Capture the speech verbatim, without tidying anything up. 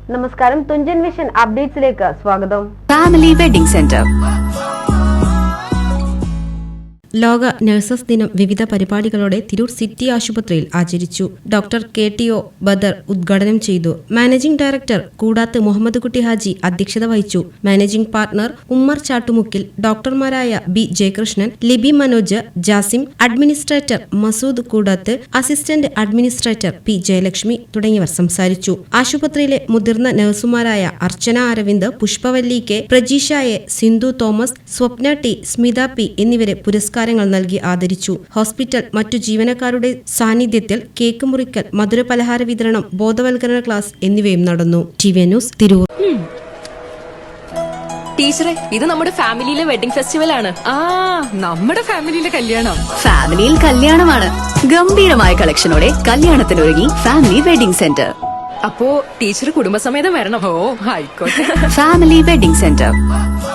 നമസ്കാരം, തുഞ്ചൻ വിഷൻ അപ്ഡേറ്റ്സിലേക്ക് സ്വാഗതം. Family wedding centre. ലോക നഴ്സസ് ദിനം വിവിധ പരിപാടികളോടെ തിരൂർ സിറ്റി ആശുപത്രിയിൽ ആചരിച്ചു. Doctor K T O Badar ഉദ്ഘാടനം ചെയ്തു. മാനേജിംഗ് ഡയറക്ടർ കൂടാത്ത് മുഹമ്മദ് കുട്ടി ഹാജി അധ്യക്ഷത വഹിച്ചു. മാനേജിംഗ് പാർട്ണർ ഉമ്മർ ചാട്ടുമുക്കിൽ, ഡോക്ടർമാരായ B Jayakrishnan, Libi Manoj, Jasim, administrator Masood Koodath, assistant administrator P Jayalakshmi തുടങ്ങിയവർ സംസാരിച്ചു. ആശുപത്രിയിലെ മുതിർന്ന നഴ്സുമാരായ Archana Aravind, Pushpavalli K, Prajeesha A, Sindhu Thomas, Swapna T, Smitha P എന്നിവരെ പുരസ്കാരം നൽകി ആദരിച്ചു. ഹോസ്പിറ്റൽ മറ്റു ജീവനക്കാരുടെ സാന്നിധ്യത്തിൽ കേക്ക് മുറിക്കൽ, മധുരപലഹാര വിതരണം, ബോധവൽക്കരണ ക്ലാസ് എന്നിവയും നടന്നു. T V news Tirur. ടീച്ചറെ, ഇത് നമ്മുടെ ഫാമിലിയിലെ വെഡിംഗ് ഫെസ്റ്റിവൽ ആണ്. ആ നമ്മുടെ ഫാമിലിയിലെ കല്യാണം. ഫാമിലിയിൽ കല്യാണമാണ്. ഗംഭീരമായ കളക്ഷനോടെ കല്യാണത്തിനൊരുങ്ങി ഫാമിലി വെഡിംഗ് സെന്റർ. അപ്പോ ടീച്ചർ കുടുംബസമേതം വരണം. ഓ ആയിക്കോട്ടെ. Family wedding centre.